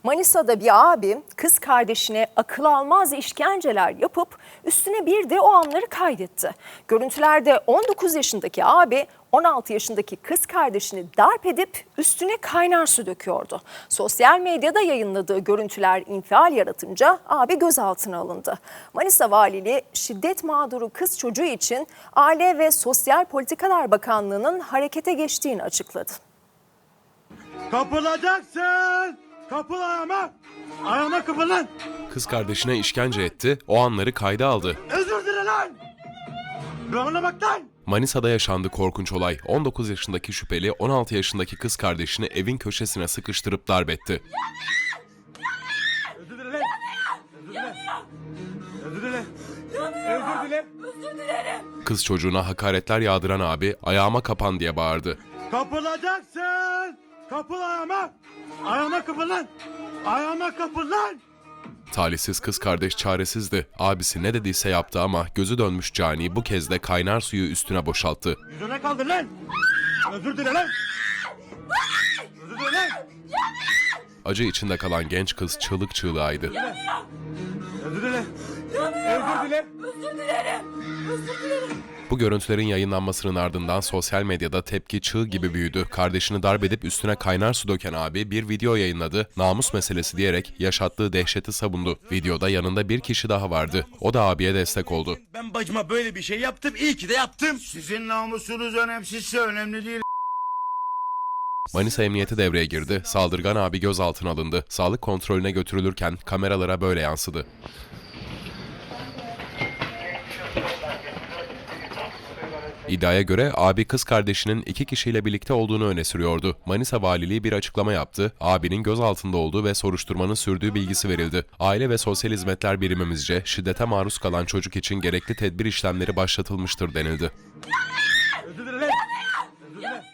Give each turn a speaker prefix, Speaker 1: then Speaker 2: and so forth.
Speaker 1: Manisa'da bir abi kız kardeşine akıl almaz işkenceler yapıp üstüne bir de o anları kaydetti. Görüntülerde 19 yaşındaki abi 16 yaşındaki kız kardeşini darp edip üstüne kaynar su döküyordu. Sosyal medyada yayınladığı görüntüler infial yaratınca abi gözaltına alındı. Manisa Valiliği şiddet mağduru kız çocuğu için Aile ve Sosyal Politikalar Bakanlığı'nın harekete geçtiğini açıkladı.
Speaker 2: Kapılacaksın! Kapıl ayağıma! Ayağıma kapılın!
Speaker 3: Kız kardeşine işkence etti, o anları kayda aldı.
Speaker 2: Özür dile lan! Bana bak lan!
Speaker 3: Manisa'da yaşandı korkunç olay. 19 yaşındaki şüpheli 16 yaşındaki kız kardeşini evin köşesine sıkıştırıp darp etti.
Speaker 2: Özür dile lan! Özür dile! Özür dile! Özür dile!
Speaker 3: Kız çocuğuna hakaretler yağdıran abi ayağıma kapan diye bağırdı.
Speaker 2: Kapılacaksın! Kapıl ayağıma! Ayağıma kapıl lan! Ayağıma kapıl lan!
Speaker 3: Talihsiz kız kardeş çaresizdi. Abisi ne dediyse yaptı ama gözü dönmüş cani bu kez de kaynar suyu üstüne boşalttı.
Speaker 2: Yüzüne kaldır lan! Özür dile lan! Özür dile lan!
Speaker 3: Acı içinde kalan genç kız çığlık çığlığıydı.
Speaker 2: Özür dile! Özür dile! Özür dilerim!
Speaker 3: Bu görüntülerin yayınlanmasının ardından sosyal medyada tepki çığ gibi büyüdü. Kardeşini darp edip üstüne kaynar su döken abi bir video yayınladı. Namus meselesi diyerek yaşattığı dehşeti savundu. Videoda yanında bir kişi daha vardı. O da abiye destek oldu.
Speaker 4: Ben bacıma böyle bir şey yaptım, iyi ki de yaptım.
Speaker 5: Sizin namusunuz önemsizse önemli değil.
Speaker 3: Manisa Emniyeti devreye girdi. Saldırgan abi gözaltına alındı. Sağlık kontrolüne götürülürken kameralara böyle yansıdı. İddiaya göre abi kız kardeşinin 2 kişiyle birlikte olduğunu öne sürüyordu. Manisa Valiliği bir açıklama yaptı. Abinin gözaltında olduğu ve soruşturmanın sürdüğü bilgisi verildi. Aile ve Sosyal Hizmetler Birimimizce şiddete maruz kalan çocuk için gerekli tedbir işlemleri başlatılmıştır denildi.
Speaker 2: Özür dile lan! Özür dile!